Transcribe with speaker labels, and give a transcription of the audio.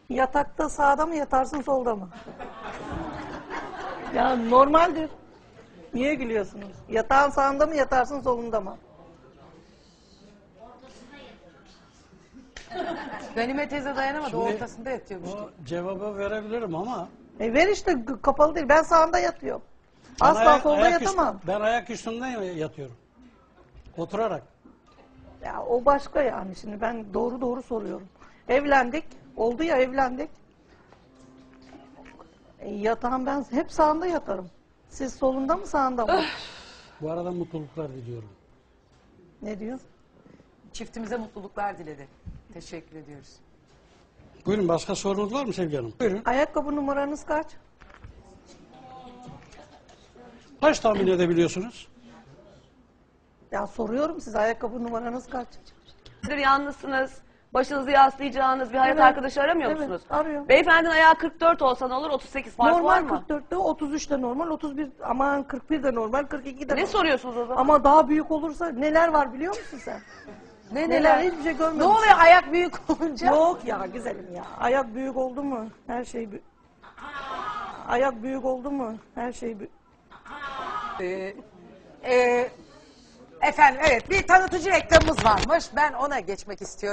Speaker 1: Yatakta sağda mı yatarsın solda mı? Ya normaldir. Niye gülüyorsunuz? Yatağın sağında mı yatarsın solunda mı?
Speaker 2: Ganime teyze dayanamadı.
Speaker 3: Şimdi
Speaker 2: Ortasında yatıyormuş.
Speaker 3: O cevabı verebilirim ama
Speaker 1: Ver işte kapalı değil. Ben sağında yatıyorum.
Speaker 3: ben
Speaker 1: Asla solda
Speaker 3: ayak
Speaker 1: yatamam.
Speaker 3: ben ayak üstünden yatıyorum. Oturarak.
Speaker 1: Ya o başka yani, şimdi ben doğru soruyorum. Evlendik. Oldu ya, evlendik. Yatağım ben hep sağında yatarım. Siz solunda mı sağında mı?
Speaker 3: Bu arada mutluluklar diliyorum.
Speaker 1: Ne diyorsun?
Speaker 2: Çiftimize mutluluklar diledi. Teşekkür ediyoruz.
Speaker 3: Buyurun, başka sorunuz var mı Sevgi Hanım? Buyurun.
Speaker 1: Ayakkabı numaranız kaç?
Speaker 3: Kaç tahmin edebiliyorsunuz?
Speaker 1: Ya soruyorum size, ayakkabı numaranız kaç?
Speaker 4: Yalnızsınız. Başınızı yaslayacağınız bir hayat
Speaker 1: Evet.
Speaker 4: arkadaşı aramıyor
Speaker 1: Evet,
Speaker 4: musunuz?
Speaker 1: arıyorum.
Speaker 4: Beyefendinin ayağı 44 olsa ne olur? 38 fark var
Speaker 1: Normal
Speaker 4: mı?
Speaker 1: 44'te, 33'te normal, 31, aman 41 de normal, 42 de
Speaker 4: Ne
Speaker 1: normal.
Speaker 4: soruyorsunuz o zaman?
Speaker 1: Ama daha büyük olursa neler var biliyor musun sen? Neler hiçbir şey görmedim.
Speaker 2: Ne oluyor ayak büyük olunca?
Speaker 1: Yok ya güzelim ya. Ayak büyük oldu mu her şey Ayak büyük oldu mu her şey
Speaker 2: Efendim evet, bir tanıtıcı reklamımız varmış. Ben ona geçmek istiyorum.